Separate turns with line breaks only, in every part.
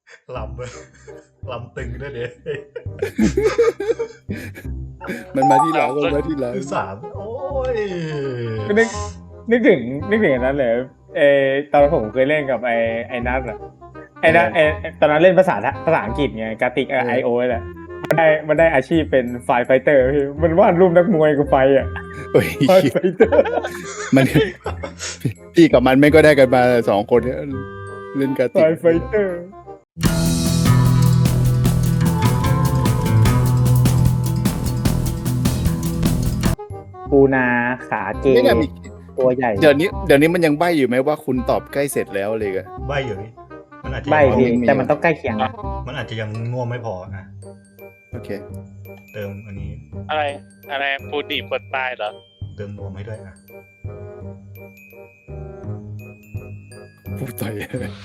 ลำเลยลำตึงด้วยเด็
มันมาที่หลังมันมาที่หลัง
คือสามโอ้ย
ก็นึกถึงอันนั้นเลยตอนผมเคยเล่นกับไอ้นัทอะไอ้นัทตอนนั้นเล่นภาษาอังกฤษไงกาติกIOแหละมันได้อาชีพเป็นไฟไฟเตอร์พี่มันวาดรูปนักมวยกับไฟอ่ะ
เฮ้ย
ไฟไฟเตอร์
มันพี่กับมันไม่ก็ได้กันมา2 คนเนี่ยเล่นการ
ไฟ
ติก
ไฟเตอร์ปูนาขาเก
ไม่น่ามี
ตัวใหญ่
เดี๋ยวนี้มันยังใบ้อยู่ไหมว่าคุณตอบใกล้เสร็จแล้วเลยกัน
ใบอยู่นี่มันอาจจะ
ใบ
ยัง
พี่
มี
แต่มันต้องใกล้เคียงนะ
มันอาจจะยังง่วงไม่พอนะ
โอเค
เติมอันนี้
อะไรปูดีบดตายเหรอ
เติมนวมให้ด้วยอ่ะ
พูดต่อย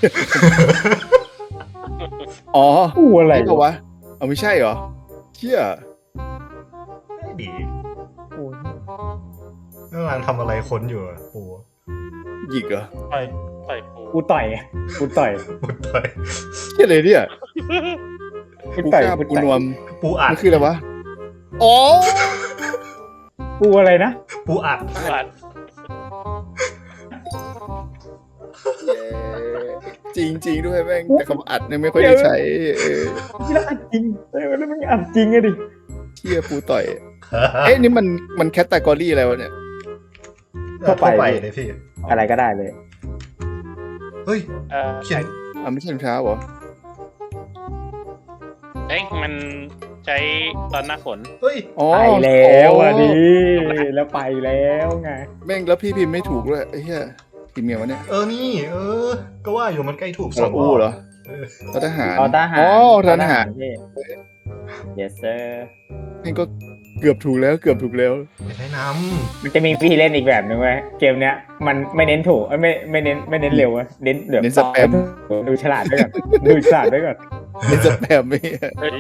อ๋อ
ปูอะไร
ใช่ปะวะเอาไม่ใช่เหรอเชี่ย
ไม่ดี
ปู
กำลังทำอะไรค้นอยู่อะปู
หยิกเหรอ
ต่อยปู
ปูต่อยปูต่อย
ปูต่อย
เชี่ยเลยเนี่ย
ปู
ปู
ต่อย
กล้า
ปู
ปู
ต่อย
นวม
ปูอัด
มันคืออะไรวะอ๋อ
ปูอะไรนะ
ปูอัด
อัด
จริงด้วยแม่งแต่คำอัดเนี่ยไม่ค่อยได้ใช้
ที่แล้วอัดจริงแล้วมันอัดจริงอะดิ
เชี่ยปูต่อย เอ๊ะนี่มันแคตตากรีอะไรวะเนี่ย
เข้าไปเลยพี่
อะไรก็ได้เลย
เฮ้ย
เออ
เขียน
อ่ะไม่ใช่รองเท้าเหรอ
มันใช้ตอนหน้าฝน
เฮ้ย
อ๋อ
ไปแล้วอ่ะ
อ๋อ
ดิแล้วไปแล้วไง
แม่งแล้วพี่พิมพ์ไม่ถูกด้วยไอ้เหี้ยพิมพ์ไงวะเนี่ย
นี่ก็ว่าอยู่มันใกล้ถูก
สระอูเหรอ
เออ
ทหาร
ตอทหาร
อ๋อทหาร
พี่ yes sir
แม่งก็เกือบถูกแล้วเกือบถูกแล้ว
ไม่ใช่น้
มันจะมีวิธีเล่นอีกแบบหนึ่งเว้ยเกมเนี้ยมันไม่เน้นถูกไม่เน้นเร็วอะเน้นแบบ
เน้นสแปม
ดูฉลาดด้วยก่อนดูฉลาดด้วยก่อน
เป็นสแปมไม่
เฮ้ย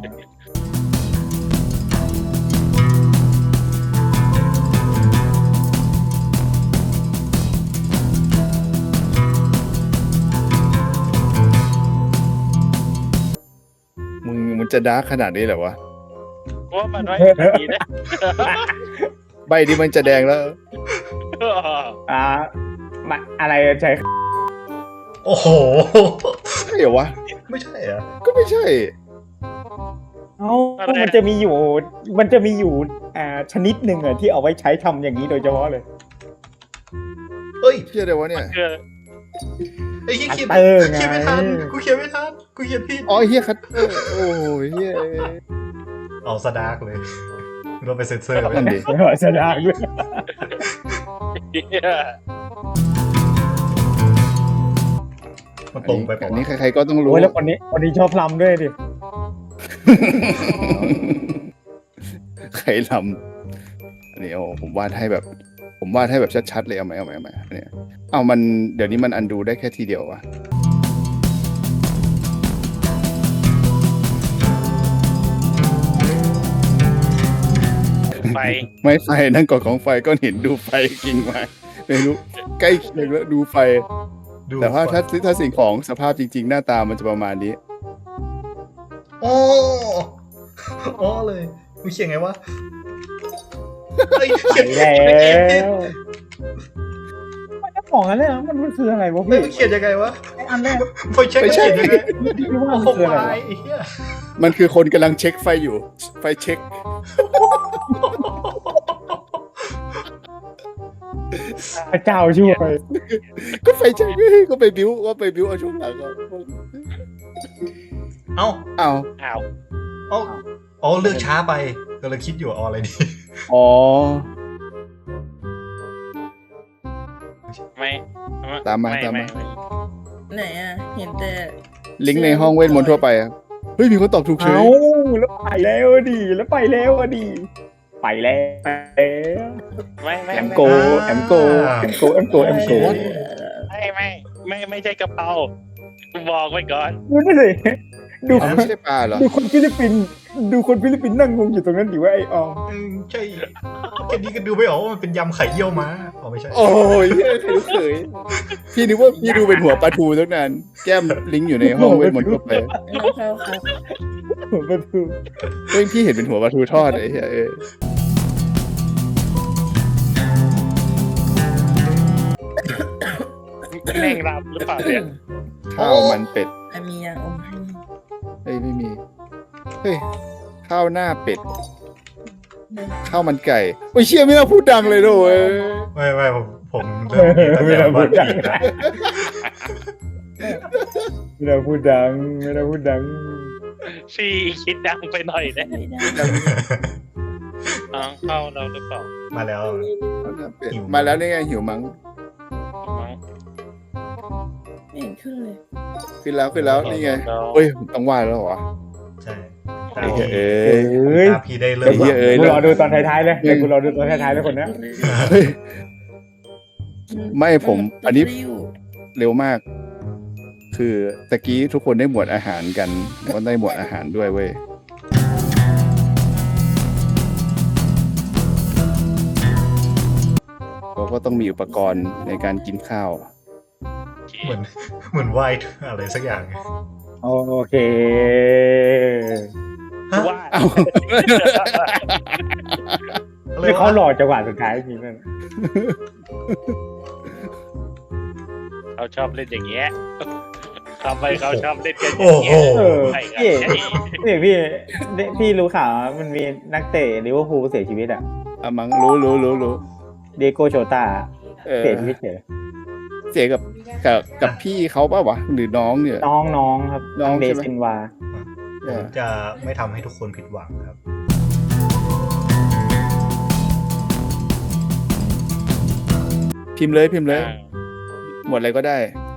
มันจะดาร์กขนาดนี้เหรอวะ
ว่ามันไม่ดีนะ
ใบนี้มันจะแดงแล้ว
อ่าอะไรใช้
ำโอ้โห
ใช่เหรอวะ
ไม่ใช่เหรอ
ก็ไม่ใช่
เอ้ามันจะมีอยู่ชนิดหนึ่งอะที่เอาไว้ใช้ทำอย่างนี้โดยเฉพาะเลย
เฮ้ย
เชื่อได้วะเนี่ย
คือ
ไอ้เขียน
อัตเตอร์ไง
เขียนไม่ทันกูเขียนไม่ทันกูเขียนผิด
อ๋อเฮียคัตเตอร์โอ้ยเฮีย
เอาสดาร์กเลยเราไปเซ็นเซอร์ไว้
นั่นดิ
แสดงด้วย
มันตรงไปเป
อั
ล่าน
นี้
วะ
ใครๆก็ต้องรู้
โอ้ยแล้วคนนี้ชอบลำด้วยดิ
ใครลำอันนี้โอ้ผมวาดให้แบบชัดๆเลยเอาไหมอันนี้เอามันเดี๋ยวนี้มันอันดูได้แค่ทีเดียววะ
ไฟ
ไม่ไฟนั่นก่อนของไฟก้อนหินดูไฟกิ่งไม้ไม่รู้ใกล้เคียงแล้วดูไฟ
ดู
แต่ว่าถ้าสิ่งของสภาพจริง ๆ หน้าตามันจะประมาณนี้
โอ้เลยกูเขียนไงวะเฮ้ย
ไป
เขียน
แล้
เขียนผิด
วมันจะของอะไรนะมันคืออะไรวะ
เฮ้ย
พี่
มันเขียนยังไงวะ
ไอ้อันแรก
ไฟเช็คมันเขียนยังไง
ที่ว่า
โอ้
มัน
โห
คืออะไร
วา
วะ
ยไอ้เหี้ย
มันคือคนกำลังเช็คไฟอยู่ ไฟเช็ค
พระเจ้าช่วย
ก็ไฟเช็คก็ไปบิ้วเอาช่วงหลังก็
เอ้า
อ้าว
อ้าว
อ๋อเลือกช้าไปกำลังคิดอยู่เอาอะไรดี
อ๋อ
ไม่
ตามมา
ไ
ไหนอ่ะ เห็นแต่
ลิงก์ในห้องเวทมนต์ทั่วไปอะเฮ้ยมีคนตอบถูกเฉ
เอ้าย แล้วไปแล้วอะดิไปแล้ว
ไม่
แอมโก
โอ้ย
ไม่ใช่กระเพราบอกไว้ก่อน
ดูนี่สิดู
อ๋อไม่ใช่ปลาเหรอ
ดูคนฟิลิปปินส์นั่งงงอยู่ตรงนั้นดิว่าไอ้ออม
ใช่แค่นี้ก็ดูไม่ออกว่ามันเป็นยำไข่เยี่ยวม้าอ๋อไม่ใช่
โอ้ยใครรู้เคยพี่นึกว่าพี่ดูเป็นหัวปลาทูตั้งนานแก้มลิงก์อยู่ในห้องเวทมนต์ก็ไป
เข้าครับ
ผมก็ดู
เฮ้ยพี่เห็นเป็นหัวปลาทูทอดไอ้เหี้ย
แม่งรับหรือเปล่าเนี่ย
ข้าวมันเป็ด
มียางอมให้
เฮ้ยไม่มีเฮ้ยข้าวหน้าเป็ดข้าวมันไก่โอ้ยเชี่ยไม่น่าพูดดังเลยด้วย
ไม่ผมเริ่มมีตั้งแต่วันผิดนะ
ไม่ได้พูดดัง
ชีคิดดังไปหน่อยนะ
ไม่ได้
เข้าเราหรือเปล่า
มาแล้ว
ข้าวหน้าเป็ด
หิว
มาแล้วนี่ไงหิวมั้ง
มั้ง
ไม่เห็นขึ้นเลย
ขึ้นแล้วนี่ไงเฮ้ยต้องว่าแล้วเหรอ
ใช่
ไอ้เหี้ย
เอ้ย
ตาพี่ได้เริ่
ไอ้
ม
เหี้ยเอ้ย
กูรอดูตอนท้ายๆเลยเดี๋ยวกูรอดูตอนท้ายๆเลยคนเนี้ย
เฮ้ย ไม่ผมอันนี้ เร็วมาก คือตะกี้ทุกคนได้หมวดอาหารกันผมก็ได้หมวดอาหารด้วยเว้ยเราก็ต้องมีอุปกรณ์ในการกินข้าว
เหมือนไหวอะไรสักอย่าง
โอเค
ฮะ
ว่า
เอ้า
อะไร
นี่เขา
วะ
หล่อจังหวะสุดท้ายจริงนั่น
เขาชอบเล่นอย่างเงี้ยทำไปเขาชอบเล่นกันอ
โอ้
ย่าง
โห
เงี้ย
เออ
ใช่ครับ
พี่
ใช่
พี่รู้ข่าวมันมีนักเตะลิเวอร์พูลเสียชีวิตอ่ะ
อะมังรู้
เดโกโชตา
เออ
เสียชีวิตเฉย
เสียกับพี่เขาป่ะวะหรือน้องเนี่ย
น้องครับ
น้อง
เด
ใช่ไหม
ซินวา
ผมจะไม่ทำให้ทุกคนผิดหวังครับ
พิมพ์เลยหมดอะไรก็ได้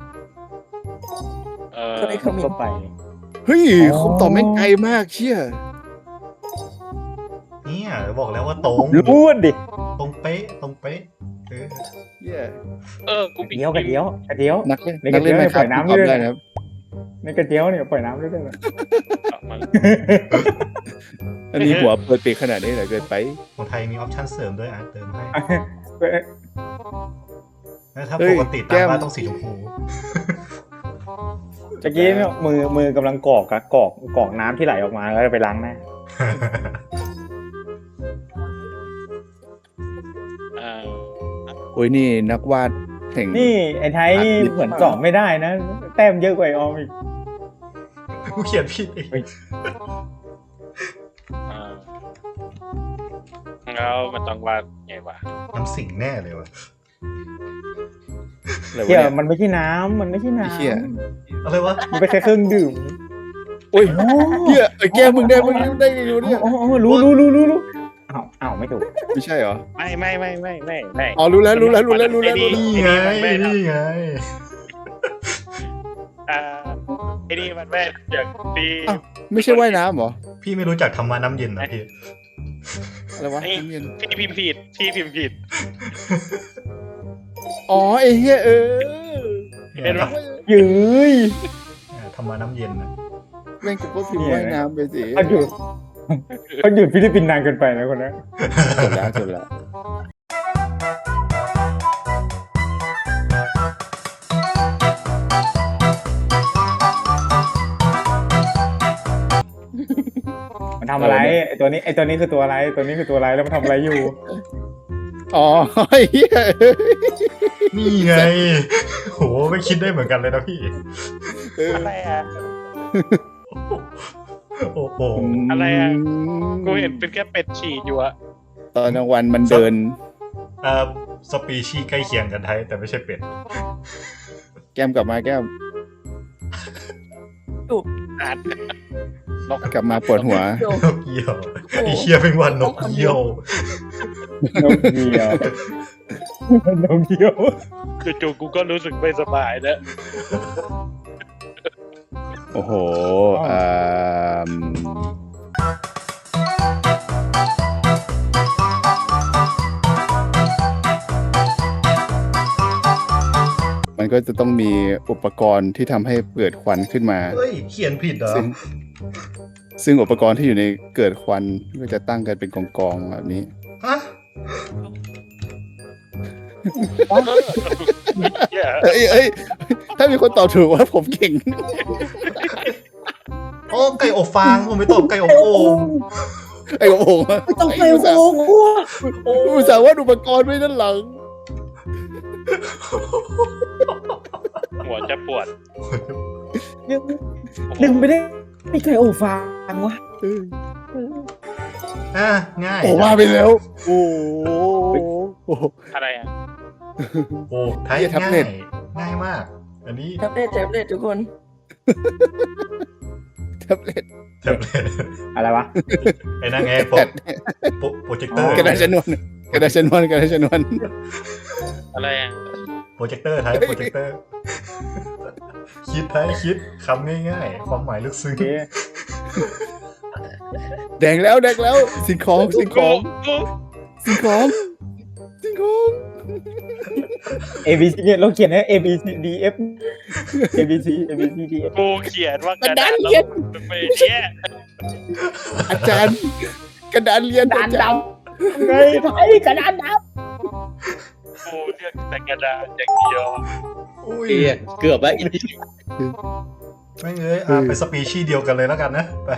ก็ได้คอมเมน
ก็
ต์
ไป
เฮ้ย
อ๋อ
คำตอบแม่งไกลมากเชี่ย
เนี่ยบอกแล้วว่าตรง
รู้ดิ
ตรงเป๊ะเออ
เหี้ย
กู
กระเดียวกระเดียว
นักเล่น
ใน
นักเล่น
กระ
ไม่
เทียม
ครับ
ปล่อยน้ำ
ตอบ
ด้วย
ได้นะครับ
ในกระเดียวเนี่ยปล่อยน้ำด้วยกัน
อันนี้หัวเปิดปีกขนาดนี้เหรอเกินไป
ของไทยมีออปชั่นเสริมด้วยเติมให้
เอ้ย
แล้วถ้า
เฮ้
ป
ย
กติ
แก้
ตาม
ม
บ้านต้องสีชมพู
เมื่อกี้เนี่ยมือกำลังกรอกน้ำที่ไหลออกมาแล้วจะไปล้างหน้า
โอ้ยนี่นักวาดแห่ง
นี่ไอ้ไทยนี่เหมือนกรอกไม่ได้นะ แต้มเยอะกว่าไอ้ออมอีก
กูเขียนผิดเอง
แล้วมันต้องว่าไงวะ
น้ำสิงแน่เลยวะ
อะไรวะ
เที่ย
เนี่ย
มันไม่ใช่น้ำมันไม่ใช่น้
ไอ้เหี้ย
อะไรวะ
ำมันเป็นแค่เครื่องดื่ม
โอ้ยเหี้ยไอ้แก้มมึงได้มึงได้ไงอยู่เนี่ย
อ๋อรู้อ้าวไม่ถูก
ไม่ใช่เหรอ
ไม่
อ๋อรู้แล้ว
นี่ไงนี่ไง
ไอ้นี่มันแม่อย่างปี
อ้าวไม่ใช่ว่ายน้ำเหรอ
พี่ไม่รู้จักธรรมะน้ำเย็นนะพี่
อะไรวะน้ำเย็น
พี่พิมพ์ผิด
อ๋อไอ้เหี้ยเออ
เห็นปะ
ยืย
ธรรมะน้ำเย็นนะ
แม่งกูก็พิมพ์ว่ายน้ำไปสิ
เขาหยุดฟิลิปปินส์นานเกินไปนะคนนั้น
จบแล้ว
มันทำอะไรไอ้ตัวนี้คือตัวอะไรแล้วมันทำอะไรอยู่
อ๋อไอ้เหี้ย
นี่ไงโหไม่คิดได้เหมือนกันเลยนะพี่
เออ
อะไรอ่ะ
โอ้โห
อะไรอะ กูเห็นเป็นแค่เป็ดฉี่อยู่อะ
ตอนกลางวันมันเดิน
สปีชีส์ใกล้เคียงกันไทยแต่ไม่ใช่เป็ด
แก้มกลับมาแก้ม
อ่าน
กลับมาปวดหัว
โย
นกเยี่ยวไอ้เคียเป็นวันนกเยี่ยว
นกเดียว
จู่ๆกูก็รู้สึกไม่สบายแล้ว
โอ้โหมันก็จะต้องมีอุปกรณ์ที่ทำให้เกิดควันขึ้นมา
เฮ้ยเขียนผิดเหรอ
ซึ่งอุปกรณ์ที่อยู่ในเกิดควันก็จะตั้งกันเป็นกองๆแบบนี้
ฮะ
เหี้ย
เอ้ยถ้ามีคนตอบถูกว่าผมเก่ง
โอ้ไก่อบฟางผมไม่ตอบไก่อบโอ่ง
ไอ้โอ่งอะ
ต้องไป
อุตส่าห์
โอ้โห
อุตส่าห์ว่าอุปกรณ์ไว้ด้านหลัง
หัวจะปวด
ดึงไม่ได้ไม่เคยโอ้ฟังวะ
อ่ะง่าย
โอ้ว่าไปแล้ว โอ้โห
อะไรอ่ะ
โอ้ไทย
เหี้ยแท็บ
ง่า
เล็
ย
ต
ง่ายมาก อันนี้
แท็บเล็ตทุกคน
แท็บเล็ต
แท็บเล็ต
อะไรวะ
ไอ้นั่นไงโปรเจคเตอร์
กระดาษชนวนกระดาษชนวนกระดาษชนวน
อะไรอ่ะ
โปรเจคเตอร์ไทยโปรเจคเตอร์ คิดไทยคิดคำง่ายๆ ความหมายลึกซึ้ง
โอเค
แดงแล้วสิ่งของสิ่งของ
A B C เนี่ยเราเขียนให้ A B C D F A B C D F
กูเขียนว่ากระดาษ
เขียน
แล้วไปเนี่ย
อาจารย์กระดานเรียน
กระดานดำไงไทยกระดานด
กูเลือกแต่กระดาษอย่างเดียว
อุ้ย
เกือบแล้ว
ไม่เอ้ยไปสปีชีส์เดียวกันเลยแล้วกันนะ ไป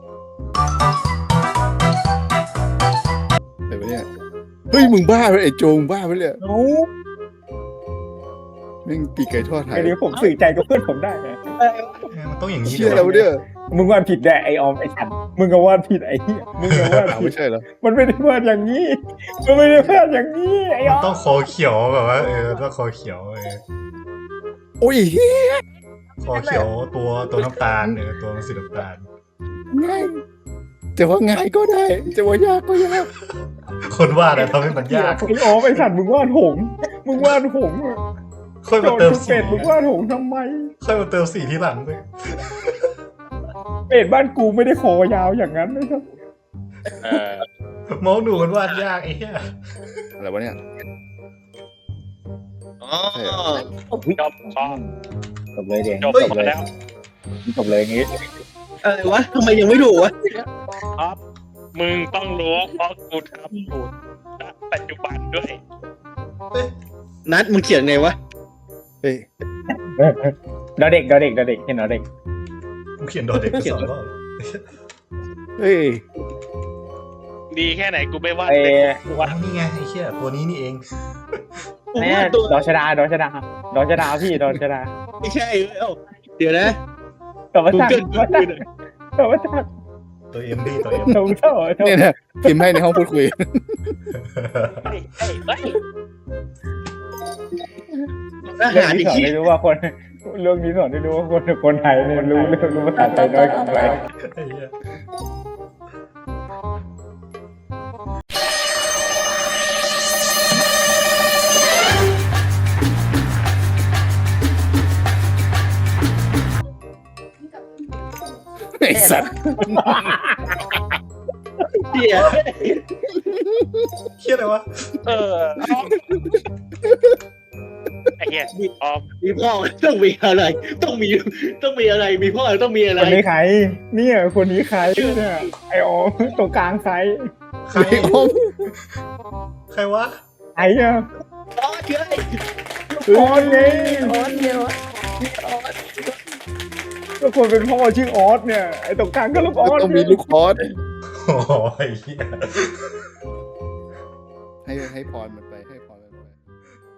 อะไรวะเนี่ยเฮ้ยมึงบ้าไปไอ้โจงบ้าไปเลย
ำโอ้
แม่งปีกไก่ทอดไท
ไอ้
ย
นี่ผมสื่อใจกับเพื่อนผมได้ไง
มันต้องอย่างนี้
เชื่อแล้วเนี่ย
มึงวาดผิดแน่ไอออมไอฉันมึงก็วาดผิดไอ้เหี้ยมึงก็วาด
อ้าว
ผิ
ไม่
ด
ใช่เหรอ
มันไม่ได้วาดอย่างนี้มันไม่ได้วาดอย่างนี้ไอ้อ
มัน
อม
ต้องคอเขียวแบบว่าต้องคอเขียว
โอ้ยเฮ้ย
คอเขียวตัวน้ำตาลตัวมันสีน้ำตาล
ง่ายจะว่าง่ายก็ได้ จะว่ายากก็ยาก
คนวาดอะทำให้มันยาก
ไอ้ออมไอฉันมึงวาดหงส์มึงวาดหงส์
ค่อย
โจ
มา
ทย์
เติม
คือ
สี
เป็ดมึงวาดหงส์ทำไม
ค่อยมาเติมสีที่หลังด้วย
เป็ดบ้านกูไม่ได้คอยาวอย่างนั้นนะครับ
เออ
มองดูมันวาดยากไอ้เหี้ย
อะไรวะเนี่ย
อ๋อ
จบพอ
จบเลยเดี๋ยว
จบมาแล้ว
จบเลยอย่างงี้
อะไรวะทำไมยังไม่ถูกวะ
ครับมึงต้องรู้เพราะกูทำอยู่ณปัจจุบันด้วย
นัดมึงเขียนไงวะ
เฮ้ย
ดอเด็กเห็นดอเด็ก
กูเขียนโดดเด็กไปสองรอบ
เฮ้ย
ดีแค่ไหนกูไม่ว่า
ไอ้
เลยกูว่า
ว้าวนี่ไงไอ้เหี้ยตัวนี้นี่เอง
เนี่ยดอชดาพี่ดอชดา
ไม่ใช่เอ้าเดี๋ยวนะ
ต่อมา
กู
จาก
เกิล
ต่อมาจาก
ตัวเอ็มพี่ตัวเอ็ม
ตรงเท่า
เนี่ยนะพิมพ์ให้ในห้องพูดคุย
เฮ้ยเฮ้ย
อา
เรื่อง
หาร
นี้
อีก
สอน
ที
ได้รู้ว่าคนไทยเนี่ยรู้ภาษาไทยน้อยกว่าใคร
ไอ้เหี้ย
ไอ้สัตว์
เดี๋ยว
เหี้ยอะไรวะ
เออไอ้เหี้ยออม
มีพ่อต้องมีอะไร ต้องมีอะไรมีพ่อต้องมีอะไร
คนนี้ใครเนี่ยคนนี้ใครเนี่ยไอออมตรงกลางใคร
ใคร
ไอ้ห้อง
ใครวะ
ไอ้เนี่ย
อ๋อเชื่อ
ออนไง
ออนเดียวอะออน
ก็คนเป็นพ่อชื่อออสเนี่ยไอตรงกลางก็ลูกออส
ต้องมีลูกคอร์ส
โอ้ยเหี้ย